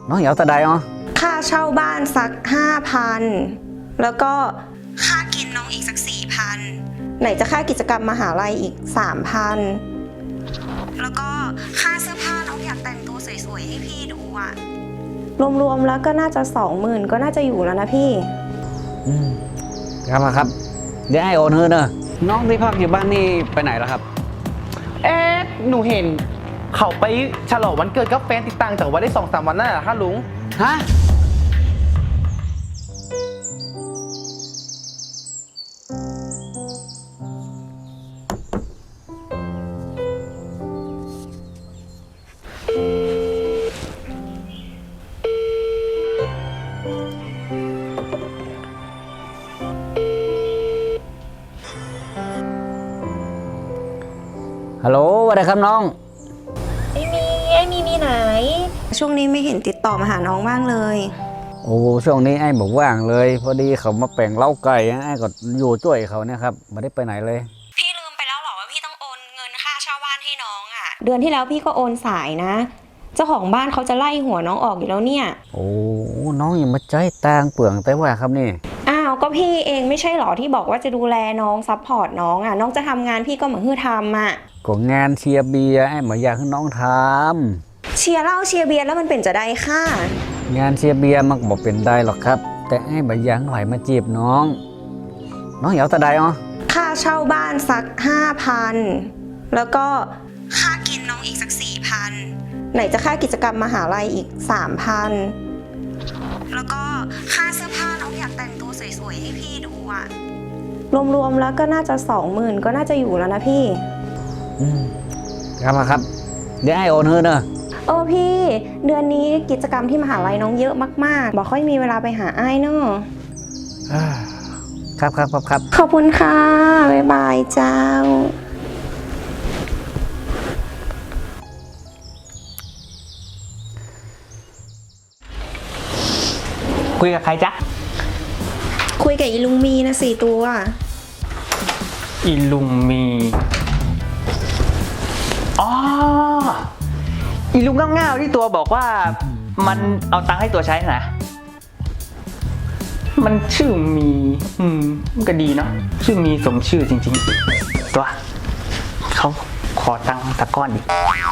น้องเหยาตะไดอ๋อค่าเช่าบ้านสัก 5,000 แล้วก็ค่ากินน้องอีกสัก 4,000 ไหนจะค่ากิจกรรมมหาลัยอีก 3,000 แล้วก็ค่าเสื้อผ้าน้องอยากแต่งตัวสวยๆให้พี่ดูอะรวมๆแล้วก็น่าจะ 20,000 ก็น่าจะอยู่แล้วนะพี่ครับเดี๋ยวไอ้โอนเงินเนอะน้องที่พักอยู่บ้านนี่ไปไหนแล้วครับหนูเห็นเขาไปฉลองวันเกิดกับแฟนติดต่างจากวันได้2-3 วันน่ะค่ะลุงฮะฮัลโหลสวัสดีครับน้องไอ้มีไหนช่วงนี้ไม่เห็นติดต่อมาหาน้องบ้างเลยโอ้ช่วงนี้ไอ้บอกว่างเลยพอดีเขามาแป่งเล้าไก่ไอ้ก็อยู่ช่วยเขาเนี่ยครับไม่ได้ไปไหนเลยพี่ลืมไปแล้วหรอว่าพี่ต้องโอนเงินค่าเช่าบ้านให้น้องอ่ะเดือนที่แล้วพี่ก็โอนสายนะเจ้าของบ้านเขาจะไล่หัวน้องออกอยู่แล้วเนี่ยโอ้น้องอย่ามาใจตางเปลืองแต่ว่าครับนี่อ้าวก็พี่เองไม่ใช่หรอที่บอกว่าจะดูแลน้องซัพพอร์ตน้องอ่ะน้องจะทำงานพี่ก็เหมือนทำอ่ะก็งานเชียร์เบียร์ไอ้หมายอยากให้น้องทำเชียร์เหล้าเชียร์เบียร์แล้วมันเป็นจะได้ค่ะงานเชียร์เบียร์มันบอกเป็นได้หรอกครับแต่ไอ้หมายอยากไหลมาจีบน้องเหยาตะไดอ๋อค่าเช่าบ้านสัก 5,000 แล้วก็ค่ากินน้องอีกสัก 4,000 ไหนจะค่ากิจกรรมมหาลัยอีก 3,000 แล้วก็ค่าเสื้อผ้าน้องอยากแต่งตัวสวยๆให้พี่ดูอะรวมๆแล้วก็น่าจะ 20,000 ก็น่าจะอยู่แล้วนะพี่ครับเดี๋ยวไอ้โอนเงินเนอะพี่เดือนนี้กิจกรรมที่มหาลัยน้องเยอะมากๆบอกค่อยมีเวลาไปหาไอ้เนอะครับขอบคุณค่ะบ๊ายบายเจ้าคุยกับใครจ๊ะคุยกับอีลุงมีนะ4 ตัวอีลุงมีอ๋ออีลุงง่าวๆที่ตัวบอกว่ามันเอาตังค์ให้ตัวใช้นะมันชื่อมีมันก็ดีเนาะชื่อมีสมชื่อจริงๆตัวเขาขอตังค์สักก้อนดิ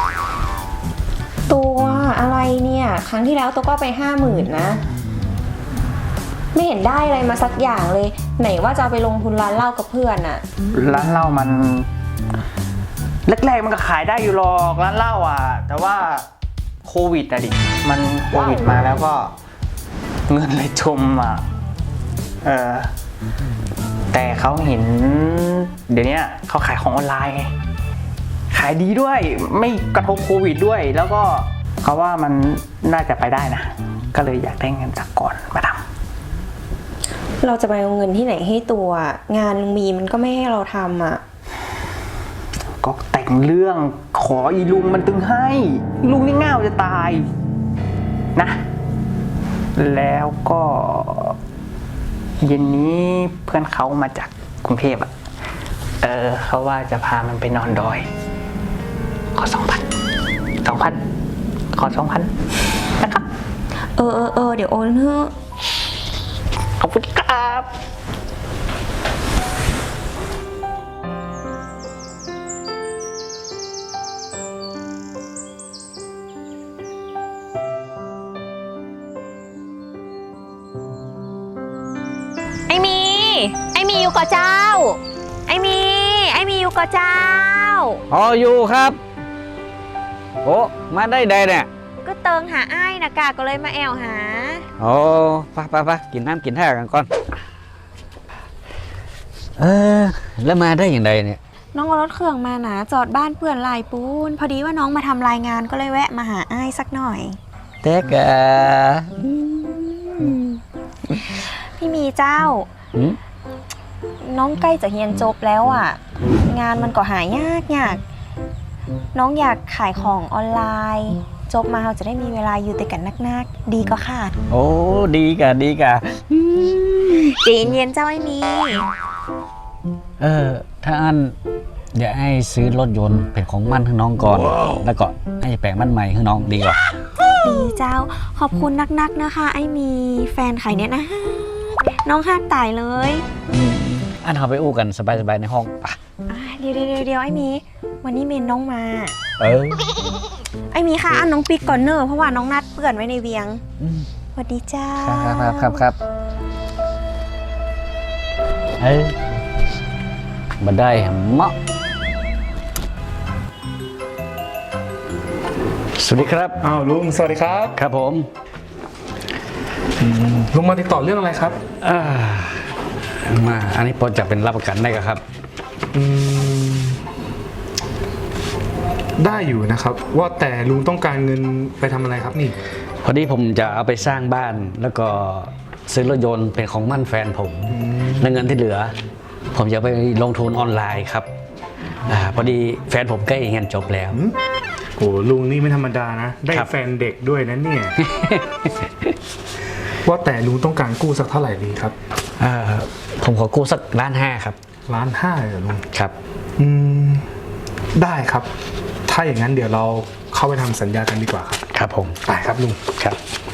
ตัวอะไรเนี่ยครั้งที่แล้วตัวก็ไป50,000นะไม่เห็นได้อะไรมาสักอย่างเลยไหนว่าจะเอาไปลงทุนร้านเหล้ากับเพื่อนอะร้านเหล้ามันแรกๆมันก็ขายได้อยู่หรอกร้านเหล้าอ่ะแต่ว่าโควิดอะดิมันโควิดมาแล้วก็เงินเลยจมอ่ะแต่เขาเห็นเดี๋ยวนี้เขาขายของออนไลน์ไงขายดีด้วยไม่กระทบโควิดด้วยแล้วก็เขาว่ามันน่าจะไปได้นะก็เลยอยากได้เงินจากก่อนมาทำเราจะไปเอาเงินที่ไหนให้ตัวงานลุงมีมันก็ไม่ให้เราทำอ่ะก็แต่งเรื่องขออีลุงมันตึงให้ลุงนี่ง่าวจะตายนะแล้วก็เย็นนี้เพื่อนเขามาจากกรุงเทพเขาว่าจะพามันไปนอนดอยขอ 2,000 ขอ 2,000 นะครับเดี๋ยวโอนเถอะขอบคุณครับไอ้มีอยู่กับเจ้าไอ้มีอยู่กับเจ้าอยู่ครับโอ้มาได้เนี่ยก็เติงหาไอ้นะกาก็เลยมาแอวหาไปกินน้ำกินท่ากันก่อนแล้วมาได้อย่างไรเนี่ยน้องเอารถเครื่องมานะจอดบ้านเพื่อนลายปูนพอดีว่าน้องมาทำรายงานก็เลยแวะมาหาไอ้สักหน่อยเต๊กพี่มีเจ้าน้องใกล้จะเรียนจบแล้วอ่ะงานมันก็หายากน้องอยากขายของออนไลน์จบมาเราจะได้มีเวลาอยู่แต่กันนักดีก็ค่ะโอ้ดีกะจีนเย็นเจ้าไอ้มีถ้าอันเดี๋ยวให้ซื้อรถยนต์เป็นของมั่นให้น้องก่อนแล้วก็ให้แปลงมั่นใหม่ให้น้องดีกว่าดีเจ้าขอบคุณนักๆนะคะ ไอ้มีแฟนไข่เนี่ยนะ น้องหักตายเลยอันเราไปอู้กันสบายๆในห้องปะเดี๋ยวไอ้มีวันนี้เมนน้องมาเออไอ้มีค่ะอันน้องปิ๊กก่อนเนอะเพราะว่าน้องนัดเปื่อนไว้ในเวียงอืมสวัสดีเจ้าครับเอ้ยมาได้เหมาะสวัสดีครับอ้าวลุงสวัสดีครับครับผมลุงมาติดต่อเรื่องอะไรครับอ่ามาอันนี้พอจะเป็นรับประกันได้ครับอืมได้อยู่นะครับ ว่าแต่ลุงต้องการเงินไปทำอะไรครับนี่พอดีผมจะเอาไปสร้างบ้านแล้วก็ซื้อรถยนต์เป็นของมั่นแฟนผมและเงินที่เหลือ ผมจะไปลงทุนออนไลน์ครับพอดีแฟนผมใกล้เรียนจบแล้วโอ้ลุงนี่ไม่ธรรมดานะ ได้ครับแฟนเด็กด้วยนะเนี่ย ว่าแต่ลุงต้องการกู้สักเท่าไหร่ดีครับผมขอกู้สัก1.5 ครับ 1.5 เลยเหรอลุงครับอืมได้ครับ ถ้าอย่างนั้นเดี๋ยวเราเข้าไปทำสัญญากันดีกว่าครับครับผมไปครับลุงครับ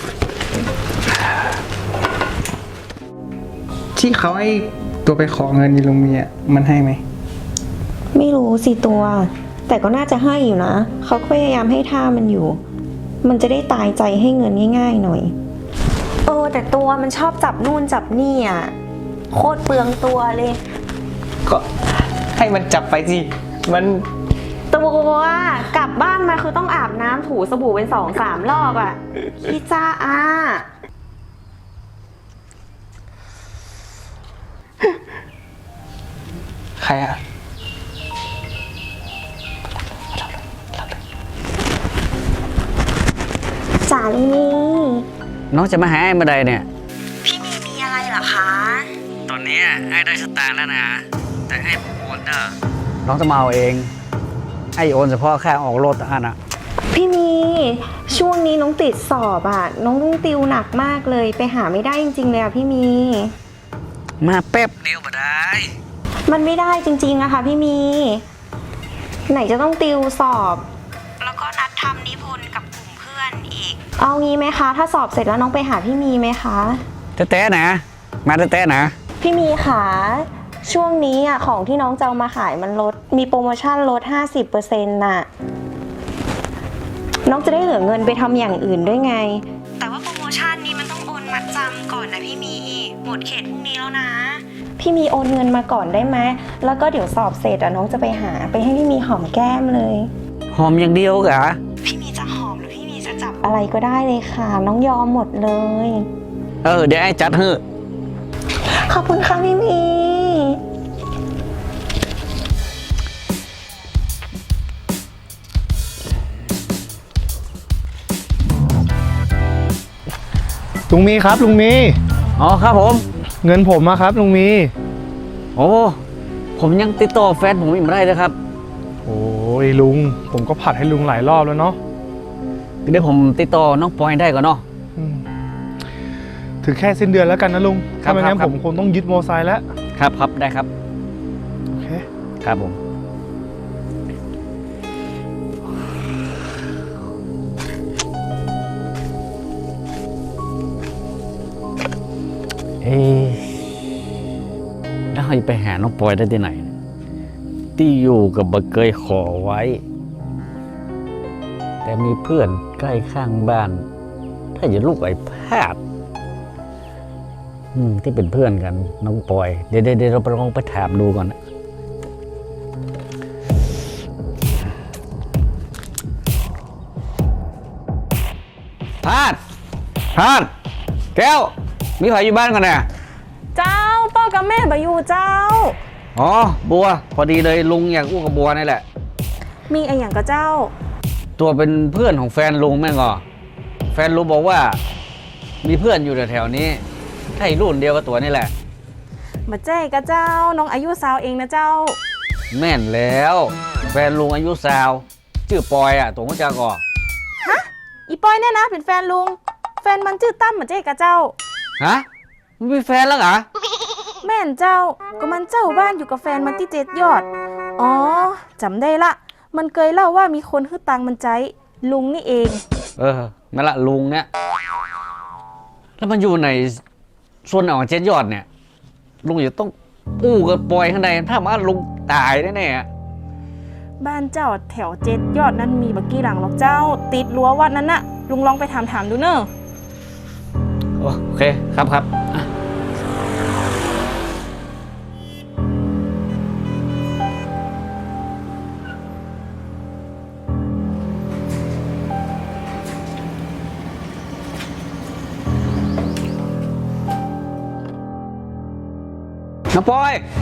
ที่เขาให้ตัวไปขอเงินยีลุงมีอ่ะมันให้ไหมไม่รู้สิตัว แต่ก็น่าจะให้อยู่นะเขาพยายามให้ท่ามันอยู่ มันจะได้ตายใจให้เงินง่ายๆหน่อยแต่ตัวมันชอบจับนู่นจับนี่อ่ะโคตรเปลืองตัวเลยก็ให้มันจับไปสิมันตัวกลับบ้านมาคือต้องอาบน้ำถูสบู่เป็น2-3 รอบอ่ะพี่จ้าใครอ่ะจ๋าลีนี่น้องจะมาหาไอ้เมื่อใดเนี่ยพี่มีอะไรเหรอคะตอนนี้ไอ้ได้สตางค์แล้วนะ แต่ไอ้โอนเนอะน้องจะมาเอาเอง ไอ้โอนเฉพาะค่าออกรถอันน่ะพี่มีช่วงนี้น้องติดสอบอ่ะน้องต้องติวหนักมากเลยไปหาไม่ได้จริงๆเลยอ่ะพี่มีมาแป๊บเดียวมาได้มันไม่ได้จริงๆอะค่ะพี่มี ไหนจะต้องติวสอบ แล้วก็นัดทำนิพนธ์กับกลุ่มเพื่อนอีก เอางี้ไหมคะ ถ้าสอบเสร็จแล้วน้องไปหาพี่มีไหมคะแต้ๆนะ มาแต้ๆนะพี่มีค่ะช่วงนี้อะของที่น้องจะเอามาขายมันลดมีโปรโมชั่นลด 50% น่ะน้องจะได้เหลือเงินไปทำอย่างอื่นด้วยไง แต่ว่าโปรโมชั่นนี้มันต้องโอนมัดจำก่อนนะพี่มีหมดเขตพรุ่งนี้แล้วนะ พี่มีโอนเงินมาก่อนได้ไหมแล้วก็เดี๋ยวสอบเสร็จอะน้องจะไปหาไปให้พี่มีหอมแก้มเลยหอมอย่างเดียวกะพี่มีจะหอมหรือพี่มีจะจับอะไรก็ได้เลยค่ะน้องยอมหมดเลยเดี๋ยวไอ้จัดให้ขอบคุณค่ะพี่มีลุงมีครับลุงมีอ๋อครับผมเงินผมอะครับลุงมีโอ้ผมยังติดต่อแฟนผมอีกไม่ได้เลยครับโอ้ยลุงผมก็ผัดให้ลุงหลายรอบแล้วเนาะเดี๋ยวผมติดต่อน้องปอยได้ก่อนเนาะอืมถึงแค่สิ้นเดือนแล้วกันนะลุงครับถ้าไม่งั้นครับผมคงต้องยึดมอไซค์แล้วครับได้ครับโอเคครับผมแล้วเราจะไปหาน้องปอยได้ที่ไหน ที่อยู่กับบะเกยขอไว้ แต่มีเพื่อนใกล้ข้างบ้าน ถ้าอย่าลูกไอ้พาดที่เป็นเพื่อนกันน้องปอย เดี๋ยวเราไปลองไปถามดูก่อนนะพาดแก้ว มีใครอยู่บ้านกันเนี่ยเจ้าพ่อกับแม่บอยู่เจ้าอ๋อ บัว พอดีเลยลุงอยากอู้กับบัวนี่แหละมีอะไรอย่างกับเจ้าตัวเป็นเพื่อนของแฟนลุงแม่งอ่ะแฟนลุงบอกว่า มีเพื่อนอยู่แถวๆนี้ใช่รุ่นเดียวกับตัวนี่แหละมาแจ้กับเจ้าน้องอายุสาวเองนะเจ้าแม่นแล้ว แฟนลุงอายุสาว ชื่อปอยอ่ะตัวมันจะก่ออีปอยเนี่ยนะเป็นแฟนลุง แฟนมันชื่อตั้มมาแจ้กับเจ้าฮะมันมีแฟนแล้วเหรอแม่นเจ้าก็มันเจ้าบ้านอยู่กับแฟนมันที่7 ยอด อ๋อจำได้ละ มันเคยเล่าว่ามีคนฮื้อตังมันใจลุงนี่เองนั่นละลุงเนี่ยแล้วมันอยู่ในส่วนของเจ็ดยอดเนี่ยลุงจะต้องอู้กับปล่อยข้างในถ้ามาลุงตายแน่ๆบ้านเจ้าแถวเจ็ดยอดนั้นมีบักกี้หลังหรอกเจ้า ติดรั้ววัดนั้นน่ะ ลุงลองไปถามดูเนอะโอเคครับครับอ่ะน้องปอย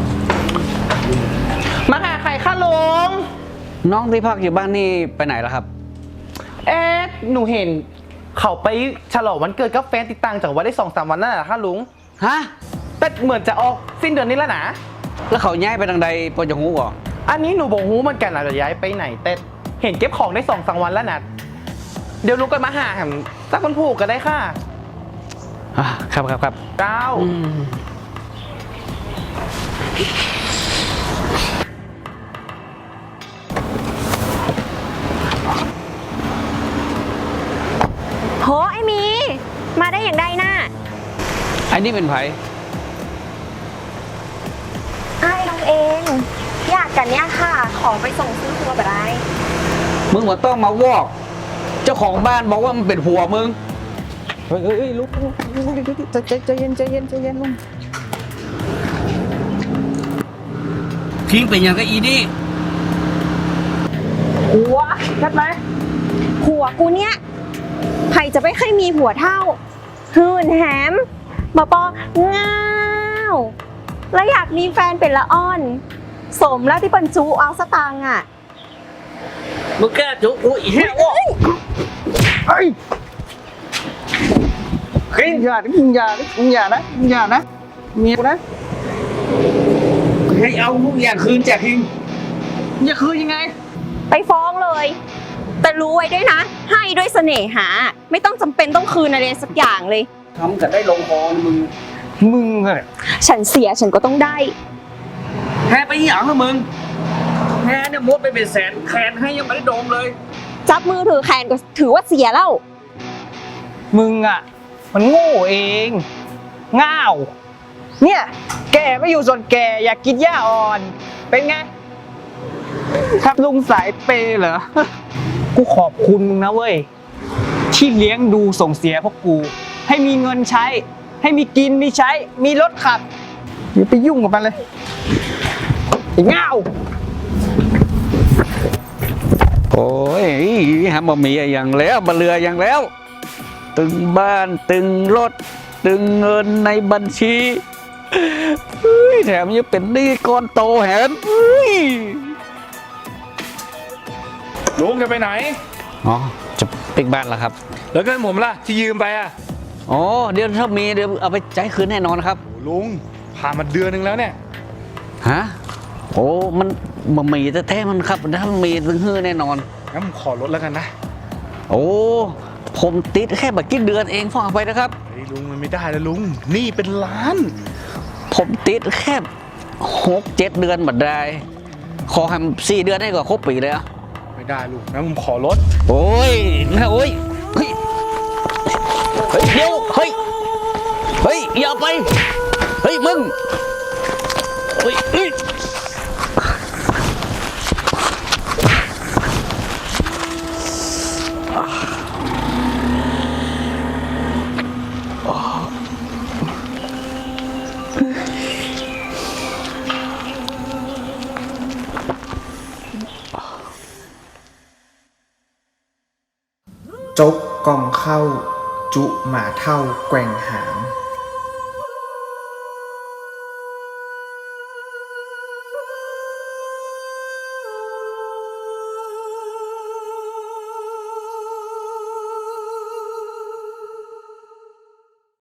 มาหาใครคะลุงน้องที่พักอยู่บ้านนี่ไปไหนแล้วครับหนูเห็นเขาไปฉลองวันเกิดกับแฟนติดตังจากวัดได้2-3 วันนั่นแหละค่ะลุงฮะแต่เหมือนจะออกสิ้นเดือนนี้แล้วนะแล้วเขาย้ายไปทางใดปอจะหูก่ออันนี้หนูบอกฮู้เหมือนกันอาจจะย้ายไปไหน แต่เห็นเก็บของได้2-3 วันแล้วนะเดี๋ยวลุงก็มาหาแหมสักคนผูกก็ได้ค่ะครับครับครับเจ้าโหไอหมี มาได้อย่างใดน่ะไอ้นี่เป็นไผไอ้น้องเอง อยากกันเนี่ยค่ะ ของไปส่งซื้อครัวแบบไรมึงว่าต้องมาวอก เจ้าของบ้านบอกว่ามันเป็นผัวมึงเฮ้ยลุงใจเย็นลุงทิ้งเป็นอย่างก็อีนี่หัวใช่ไหมหัวกูเนี่ยใครจะไม่เคยมีหัวเท่าหื่นแหมมาปอง้าวแล้วอยากมีแฟนเป็นละอ่อน สมแล้วที่ปันจูเอาสตางค์อ่ะมึงแก้จุกูอีแห้วะเฮ้ยอย่านะเมียกูนะให้เอาทุกอย่างคืนจากทิ้งอย่าคืนยังไงไปฟ้องเลย แต่รู้ไว้ด้วยนะ ให้ด้วยเสน่หา ไม่ต้องจำเป็นต้องคืนอะไรสักอย่างเลยทำกันได้ลงคอนะมึงอะฉันเสียฉันก็ต้องได้แพ้ไปอีหยังนะมึงแพ้เนี่ยมดไปเป็นแสนแขนให้ยังไม่ได้โดมเลยจับมือถือแขนก็ถือว่าเสียแล้วมึงอ่ะ มันโง่เองง่าวเนี่ยแกไม่อยู่ส่วนแกอยากกินหญ้าอ่อน เป็นไง ครับลุงสายเปย์เหรอ กูขอบคุณมึงนะเว้ย ที่เลี้ยงดูส่งเสียพวกกู ให้มีเงินใช้ ให้มีกินมีใช้ มีรถขับอย่าไปยุ่งกับมันเลยไอ้ง่าวโอ้ยหามามีอย่างแล้วมาเรืออย่างแล้ว ตึงบ้านตึงรถ ตึงเงินในบัญชีเฮ้ยแถมยังเป็นหนี้ก้อนโตแหนเฮ้ยลุงจะไปไหนอ๋อจะปิกบ้านแล้วครับแล้วเงินผมล่ะที่ยืมไปอ่ะอ๋อเดี๋ยวถ้ามีเดี๋ยวเอาไปจ่ายคืนแน่นอนครับโอ้ลุงผ่านมาเดือนนึงแล้วเนี่ยฮะโอ้มันบะหมี่แท้ๆมันครับถ้ามันมีถึงฮื้อแน่นอนงั้นผมขอลดแล้วกันนะโอ้ผมติดแค่บักกี้เดือนเองฟังเอาไปนะครับเฮ้ยลุงมันไม่ได้แล้วลุงหนี่เป็นล้านผมติดแค่6-7 เดือนบัดได้ ขอให้4 เดือนให้ก็ครบปีเลยอะไม่ได้ลุงงั้นผมขอลดโอ้ยนะโอ้ยเฮ้ยเฮ้ยเดี๋ยวเฮ้ยเฮ้ยอย่าไปเฮ้ยมึงเฮ้ยเฮ้ยจกกองเข้า จุหมาเท่าแกว่งหาง